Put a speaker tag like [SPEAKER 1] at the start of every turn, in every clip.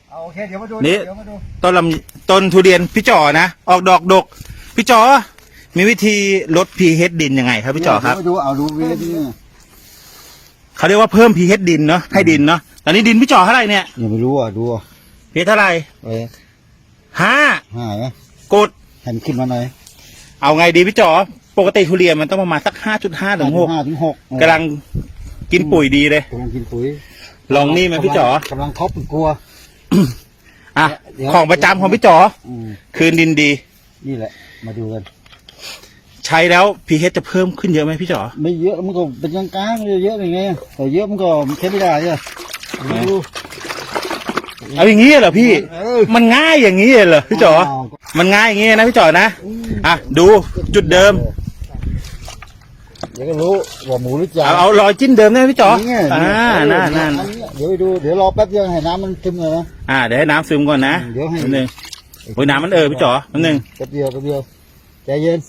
[SPEAKER 1] โอเคเดี๋ยวมาดู
[SPEAKER 2] นี่
[SPEAKER 1] เดี๋ยวมาดู
[SPEAKER 2] ต้นทุเรียนพี่จ๋อนะออกดอกดกพี่จ๋อมีวิธีลด pH ดินยังไงครับพี่จ๋อครับ
[SPEAKER 1] เดี๋ยวมาดูเอาดูเวทนี่
[SPEAKER 2] เขาเรียกว่าเพิ่ม pH ดินเนาะให้ดินเนาะตอนนี้ดินพี่จ๋อเท่าไหร่เนี่ย
[SPEAKER 1] ยังไม่รู้อ่ะดู
[SPEAKER 2] pH เท่าไหร่
[SPEAKER 1] ห้า
[SPEAKER 2] 5
[SPEAKER 1] ไหม
[SPEAKER 2] กด
[SPEAKER 1] หันขึ้นมาหน่อย
[SPEAKER 2] เอาไงดีพี่จ๋อปกติทุเรียนมันต้องประมาณสัก 5.5 ถึง
[SPEAKER 1] 5 ถึง 6
[SPEAKER 2] 6กำลังกินปุ๋ยดีเลย
[SPEAKER 1] กำลังกินปุ๋ย
[SPEAKER 2] ลองนี่ไหมพี่จ๋อก
[SPEAKER 1] ำลังท็อปกลัว
[SPEAKER 2] อ่ะ
[SPEAKER 1] เดี๋ยว
[SPEAKER 2] ของประจำของพี่จ๋อ
[SPEAKER 1] อืม
[SPEAKER 2] คืนดินดี
[SPEAKER 1] นี่แหละมาดูกัน
[SPEAKER 2] ใช้แล้ว pH จะเพิ่มขึ้นเยอะไหมพี่จ๋อ
[SPEAKER 1] ไม่เยอะมันก็เป็นกลางๆเยอะๆยังไงแต่เยอะมันก็ใช้ไม่ได้เนี่ยดู
[SPEAKER 2] เอาอย่างนี้เหรอพี่ มันง่ายอย่างนี้เหรอพี่จ๋อ
[SPEAKER 1] าว
[SPEAKER 2] มันง่ายอย่างนี้นะพี่จ๋อนะอ่ะดูจุดเดิม
[SPEAKER 1] เดี๋ยวก็รู้ว่าหมูหรือจ่า
[SPEAKER 2] เอารอยจิ้นเดิมได้ไหมพี่จ๋อ
[SPEAKER 1] นี่ไง
[SPEAKER 2] นั่น
[SPEAKER 1] อัเดี๋ยวไปดูเดี๋ยวรอแป๊บเดียวให้น้ำมันซึมเลยนะ
[SPEAKER 2] เดี๋ยวให้น้ำซึมก่อนนะ
[SPEAKER 1] เดี๋ยวให้
[SPEAKER 2] แป๊บนึงโอ้ยน้ำมันพี่จ๋อแป๊บนึง
[SPEAKER 1] แป๊บเดียวใจเย็น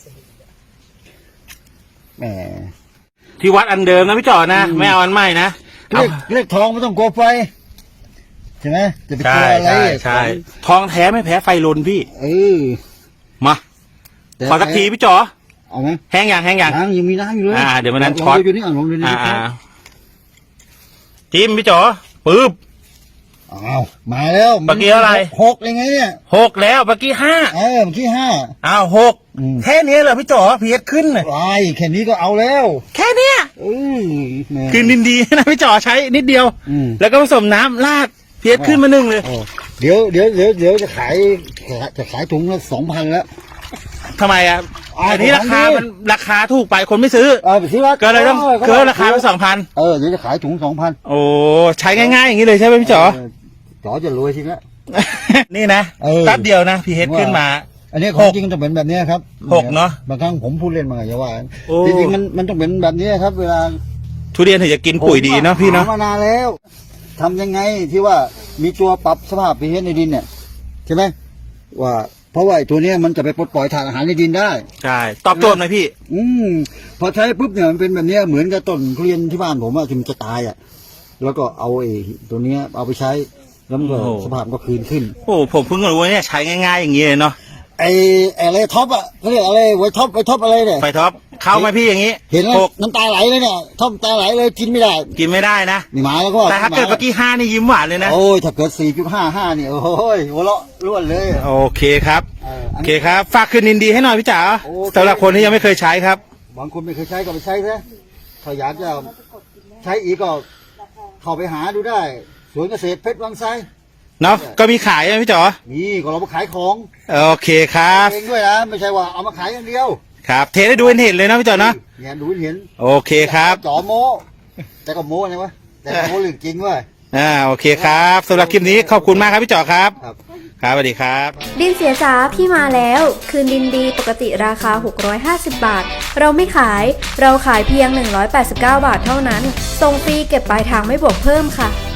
[SPEAKER 1] แหม
[SPEAKER 2] ที่วัดอันเดิมนะพี่จ๋อนะไม่เอาอันใหม่นะ
[SPEAKER 1] เรียกทองไม่ต้องกลัวไฟใช่ไหมจะไปกลั
[SPEAKER 2] ใช่
[SPEAKER 1] วอะไร
[SPEAKER 2] ใช่ทองแท้ไม่แพ้ไฟลนพี่
[SPEAKER 1] เออ
[SPEAKER 2] มาขอสักทีพี่จ๋อ
[SPEAKER 1] เอาไหม
[SPEAKER 2] แห้งอย่าง
[SPEAKER 1] น้ำยังมีน้ำอยู่เลย
[SPEAKER 2] เดี๋ยววันนั้น
[SPEAKER 1] ลง
[SPEAKER 2] ช็อต
[SPEAKER 1] ดูนี่ลองดูนี่
[SPEAKER 2] จิ้มพี่จ๋อปึ๊บ
[SPEAKER 1] อ้าวมาแล้ว
[SPEAKER 2] เมื่อกี้อะไร
[SPEAKER 1] 6ยังไงเนี่ย
[SPEAKER 2] 6แล้วเมื่อกี้5
[SPEAKER 1] เมื่อกี้5
[SPEAKER 2] อ้าว
[SPEAKER 1] อืม
[SPEAKER 2] 6แค่นี้เหรอพี่จ๋อ pH ขึ้นน่ะ
[SPEAKER 1] ไอ้แค่นี้ก็เอาแล้ว
[SPEAKER 2] แค่เนี้ย
[SPEAKER 1] แหม่
[SPEAKER 2] คืนดินดีนะพี่จ๋อใช้นิดเดียว
[SPEAKER 1] อืม
[SPEAKER 2] แล้วก็ผสมน้ำราดpH ขึ้นมา1เลย
[SPEAKER 1] โอ้เดี๋ยวจะขายถุงละ2,000แล้ว
[SPEAKER 2] ทำไมอ่ะ
[SPEAKER 1] อ้าว
[SPEAKER 2] อันนี้ราคา
[SPEAKER 1] ของดี
[SPEAKER 2] มันราคาถูกไปคนไม่ซื้อ
[SPEAKER 1] ไปซื้อว่า
[SPEAKER 2] ก็เลยต้องเกินราคาไป2,000
[SPEAKER 1] เดี๋ยวจะขายถุง2,000
[SPEAKER 2] โอ้ใช้ง่ายๆอย่างนี้เลยใช่ไหมพี่จ๋อ
[SPEAKER 1] จ๋อจะรวยทีละ
[SPEAKER 2] นี่นะ
[SPEAKER 1] เ
[SPEAKER 2] แป๊บเดียวนะ pH ขึ้นมา
[SPEAKER 1] อันนี้ของจริงต้องเป็นแบบนี้ครับ
[SPEAKER 2] 6เนอะ
[SPEAKER 1] บางครั้งผมพูดเล่นมาอย่าว่า
[SPEAKER 2] โอ้
[SPEAKER 1] จริงๆมันต้องเป็นแบบนี้ครับ เวลา
[SPEAKER 2] ทุเรียนถึงจะกินปุ๋ยดีเนาะพี่เนาะ
[SPEAKER 1] หมานานแล้วทำยังไงที่ว่ามีตัวปรับสภาพ pH ในดินเนี่ยใช่ไหมว่าเพราะว่าไอ้ตัวเนี้ยมันจะไปปลดปล่อยถ่านอาหารในดินได้
[SPEAKER 2] ใช่ตอบโจทย์หน่อยพี่
[SPEAKER 1] พอใช้ปุ๊บเนี่ยมันเป็นแบบเนี้ยเหมือนกับต้นทุเรียนที่บ้านผมอะที่มันจะตายอะแล้วก็เอาไอ้ตัวเนี้ยเอาไปใช้แล้วมันก็
[SPEAKER 2] โอ้โห
[SPEAKER 1] สภาพก็คืนขึ้น
[SPEAKER 2] โอ้ผมเพิ่งรู้ว่าเนี่ยใช้ง่ายๆอย่างนี้เลยเนาะ
[SPEAKER 1] ไอ้อะไรท็อปอะเขาเรียกอะไรไว้ท็อปอะไรเนี่ย
[SPEAKER 2] ไฟท็อปเข้าไหมพี่อย่างนี้
[SPEAKER 1] เห็นแล้ว
[SPEAKER 2] 6
[SPEAKER 1] น้ำตาไหลเลยเนี่ยท็อปน้ำตาไหลเลยกินไม่ได้
[SPEAKER 2] กินไม่ได้นะ
[SPEAKER 1] นี่หมาแล้วก็
[SPEAKER 2] แต่ถ้าเกิดเมื่อกี้5นี่ยิ้มหวานเลยนะ
[SPEAKER 1] โอ้ยถ้าเกิด 4.55นี่โอ้ยหัวเราะล้วนเลย
[SPEAKER 2] โอเคครับ
[SPEAKER 1] อั
[SPEAKER 2] โอน เคครับฝากคืนดินดีให้หน่อยพี่จ๋า
[SPEAKER 1] โอเค
[SPEAKER 2] สำหรับคนที่ยังไม่เคยใช้ครับ
[SPEAKER 1] บางคนไม่เคยใช้ก็ไปใช้ซะถ้าอยากจะใช้อีกก็เข้าไปหาดูได้สวนเกษตรเพชรวังไซ
[SPEAKER 2] เนาะก็มีขายใช่ไหมพี่จ๋อ
[SPEAKER 1] นี่ก็เรามาขายของ
[SPEAKER 2] โอเคครับ
[SPEAKER 1] เองด้วยนะไม่ใช่ว่าเอามาขายอย่างเดียว
[SPEAKER 2] ครับเทให้ดูเห็นเลยนะพี่จ๋อเนาะ
[SPEAKER 1] เนี่ยดูเห็น
[SPEAKER 2] โอเคครับ
[SPEAKER 1] จ่อโม้แต่ก็โม้นะวะแต่ก็โม้เรื่องจริงเว้ย
[SPEAKER 2] โอเคครับสำหรับคลิปนี้ขอบคุณมากครับพี่จ๋อครับ
[SPEAKER 1] ครับ
[SPEAKER 2] ครับสวัสดีครับ
[SPEAKER 3] ดินเสียจ๋าพี่มาแล้ว คืนดินดีปกติราคา 650 บาท เราไม่ขาย เราขายเพียง 189 บาทเท่านั้น ส่งฟรีเก็บปลายทางไม่บวกเพิ่มค่ะ